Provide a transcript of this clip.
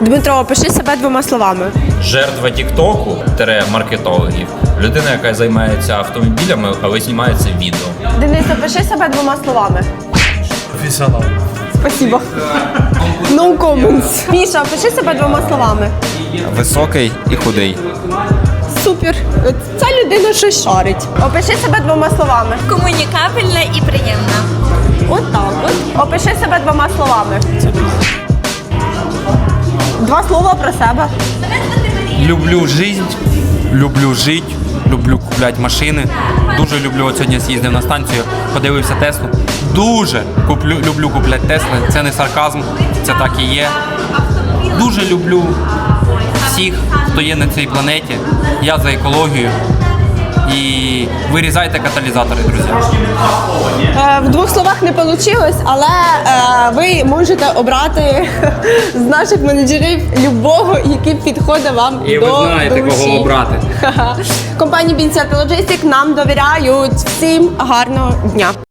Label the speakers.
Speaker 1: Дмитро, опиши себе двома словами.
Speaker 2: Жертва тіктоку, маркетологів, людина, яка займається автомобілями, але знімається відео.
Speaker 1: Денис, опиши себе двома словами.
Speaker 3: Професіонал.
Speaker 1: Спасибо. No comments. Міша, опиши себе двома словами.
Speaker 4: Високий і худий.
Speaker 1: Супер. Ця людина щось шарить. Опиши себе двома словами.
Speaker 5: Комунікабельна і приємна.
Speaker 1: От так от. Опиши себе двома словами. Два слова про себе.
Speaker 6: Люблю жизнь, люблю жити, люблю купляти машини. Дуже люблю, от сьогодні з'їздив на станцію, подивився Теслу. Дуже люблю купляти Тесли, це не сарказм, це так і є. Дуже люблю всіх, хто є на цій планеті. Я за екологію. І вирізайте каталізатори, друзі.
Speaker 1: В двох словах не вийшло, але ви можете обрати з наших менеджерів любого, який підходить вам
Speaker 6: І
Speaker 1: до
Speaker 6: ви знаєте,
Speaker 1: душі.
Speaker 6: кого обрати.
Speaker 1: Компанія Бінсіат Лоджистик нам довіряють. Всім гарного дня.